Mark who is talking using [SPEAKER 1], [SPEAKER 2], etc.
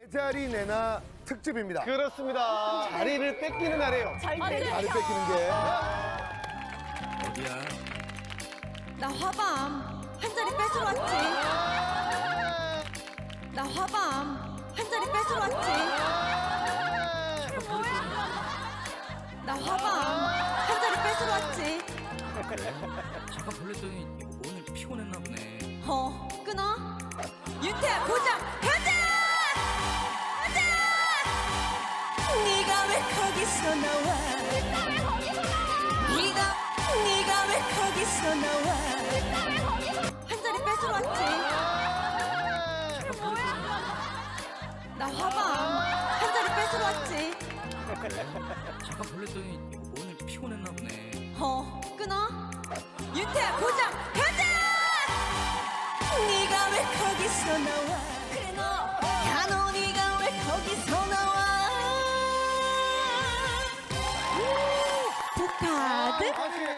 [SPEAKER 1] 자리 내나 특집입니다.
[SPEAKER 2] 그렇습니다. 자리를 뺏기는 날이에요.
[SPEAKER 1] 자리 뺏기는 게.
[SPEAKER 3] 어디야?
[SPEAKER 4] 나 화밤 한 자리 뺏으러 왔지. 나 화밤 한 자리 뺏으러 왔지. 나 화밤 한 자리 뺏으러 왔지.
[SPEAKER 3] 잠깐 볼랬더니 오늘 피곤했나 보네.
[SPEAKER 4] 끊어. 윤태야 고장 가자. 가자. 네가 왜 거기서 나와? 네가 왜 거기서 나와? 한 자리 뺏으러 왔지. 나 화밤 한 자리 뺏으러 왔지.
[SPEAKER 3] 잠깐 볼랬더니 오늘 피곤했나 보네.
[SPEAKER 4] 끊어. 윤태야 고장 가자. 네가 왜 거기서 나와? 그래 너. 야 너 네가 왜 거기서 나와? 북카드.